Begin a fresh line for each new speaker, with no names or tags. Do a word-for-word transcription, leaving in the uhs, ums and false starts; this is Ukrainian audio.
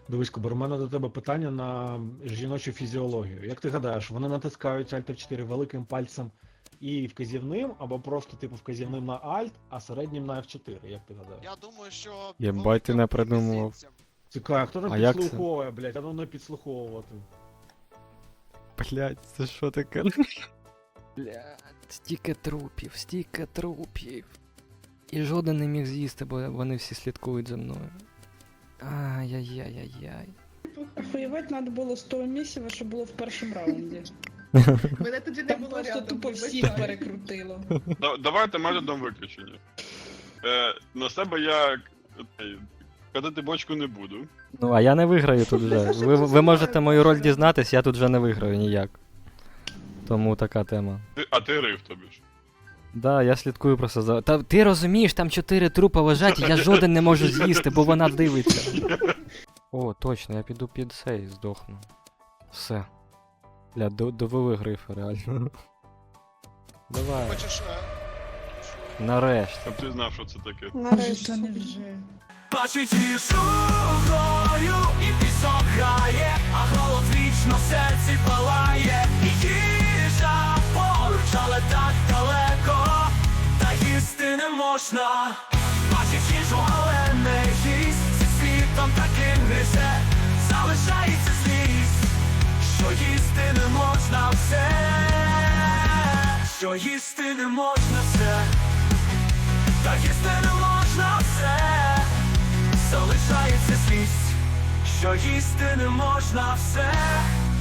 Дивись, Кубер, у мене до тебе питання на жіночу фізіологію. Як ти гадаєш, вони натискають Alt еф чотири великим пальцем і вказівним, або просто типу вказівним на Alt, а середнім на еф чотири, як ти гадаєш?
Я думаю, що...
Єбать, ти не придумував.
мізинцем.
Цікаво, хто там
А як це?
підслуховує, блядь, а ну не підслуховувати.
Блять, це що таке? Блять, стільки трупів, стільки трупів. І жоден не міг з'їсти, бо вони всі слідкують за мною. Ай-яй-яй-яй-яй.
Охуєвать надо було з того місця, що було в першому раунді.
Мене тоді не
Там
було
просто
рядом,
тупо
вибачай.
всіх перекрутило.
Да- Давайте методом виключення. Е, на себе я е, катати бочку не буду.
Ну, а я не виграю тут вже. Ви, ви можете мою роль дізнатись, я тут вже не виграю ніяк. Тому така тема.
Ти, а ти рив тобі ж.
Да, я слідкую просто за. Та ти розумієш, там чотири трупа лежать, і я жоден не можу з'їсти, бо вона дивиться. О, точно, я піду під цей здохну. Все. Бля, до- довели грифа, реально. Давай.
Хочеш... е,
Нарешті.
Щоб ти знав, що це таке.
Нарешті. Та не вже.
Бачить її шухою і пісок грає, а голод вічно в серці палає. І їжа поруч, але так далеко, та їсти не можна. Бачить їжу, але не їсть, зі світом таким гризе, залишається злість, що їсти не можна все, що їсти не можна все, та їсти не можна все. Залишається злість, що їсти не можна все.